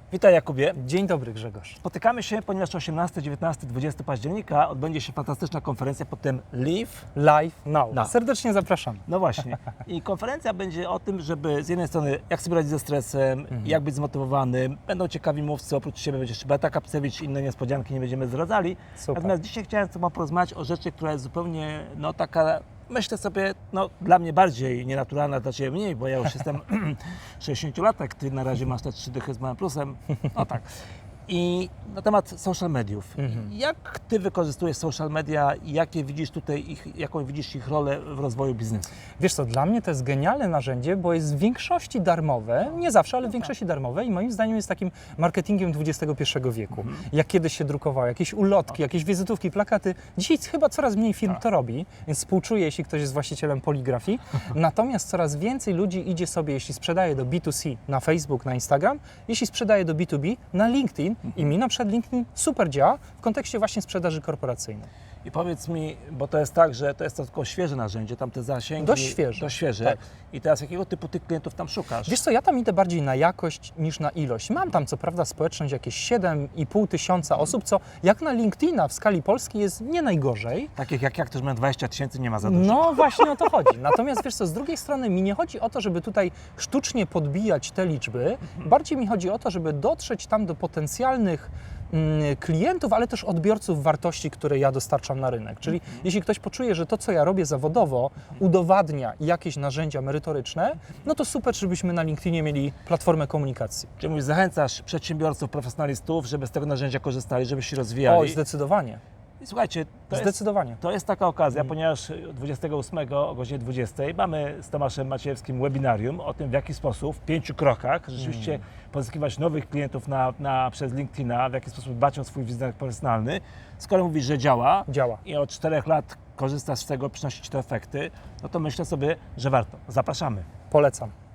Witaj Jakubie. Dzień dobry Grzegorz. Spotykamy się, ponieważ 18, 19, 20 października odbędzie się fantastyczna konferencja pod tym Live. Live Now. No. Serdecznie zapraszam. No właśnie. I konferencja będzie o tym, żeby z jednej strony jak sobie radzić ze stresem, jak być zmotywowanym. Będą ciekawi mówcy, oprócz siebie będzie jeszcze Beata Kapcewicz, inne niespodzianki nie będziemy zdradzali. Super. Natomiast dzisiaj chciałem z Tobą porozmawiać o rzeczy, która jest zupełnie taka, myślę sobie, dla mnie bardziej nienaturalna, dla Ciebie mniej, bo ja już jestem 60-latek, Ty na razie masz te 3 dychy z małym plusem. No tak. I na temat social mediów. Jak Ty wykorzystujesz social media i jaką widzisz ich rolę w rozwoju biznesu? Wiesz co, dla mnie to jest genialne narzędzie, bo jest w większości darmowe, nie zawsze, ale w większości darmowe i moim zdaniem jest takim marketingiem XXI wieku. Jak kiedyś się drukowało, jakieś ulotki, jakieś wizytówki, plakaty. Dzisiaj chyba coraz mniej firm to robi, więc współczuję, jeśli ktoś jest właścicielem poligrafii. Natomiast coraz więcej ludzi idzie sobie, jeśli sprzedaje do B2C na Facebook, na Instagram, jeśli sprzedaje do B2B na LinkedIn i mi na przykład LinkedIn super działa w kontekście właśnie sprzedaży korporacyjnej. I powiedz mi, bo to jest tak, że to jest tylko świeże narzędzie, tam te zasięgi... Dość świeże. Tak. Tak. I teraz jakiego typu tych klientów tam szukasz? Wiesz co, ja tam idę bardziej na jakość niż na ilość. Mam tam co prawda społeczność jakieś 7,5 tysiąca osób, co jak na LinkedIna w skali Polski jest nie najgorzej. Takich jak którzy mają 20 tysięcy, nie ma za dużo. No właśnie o to chodzi. Natomiast wiesz co, z drugiej strony mi nie chodzi o to, żeby tutaj sztucznie podbijać te liczby. Bardziej mi chodzi o to, żeby dotrzeć tam do potencjalnych klientów, ale też odbiorców wartości, które ja dostarczam na rynek. Czyli jeśli ktoś poczuje, że to, co ja robię zawodowo, udowadnia jakieś narzędzia merytoryczne, no to super, żebyśmy na LinkedInie mieli platformę komunikacji. Czyli mówisz, zachęcasz przedsiębiorców, profesjonalistów, żeby z tego narzędzia korzystali, żeby się rozwijali. Oj, zdecydowanie. I słuchajcie, Zdecydowanie. to jest taka okazja, ponieważ 28 o godzinie 20 mamy z Tomaszem Maciejewskim webinarium o tym, w jaki sposób w 5 krokach rzeczywiście pozyskiwać nowych klientów przez LinkedIna, w jaki sposób dbać o swój wizerunek personalny. Skoro mówisz, że działa i od 4 lat korzystasz z tego, przynosi Ci to efekty, no to myślę sobie, że warto. Zapraszamy. Polecam.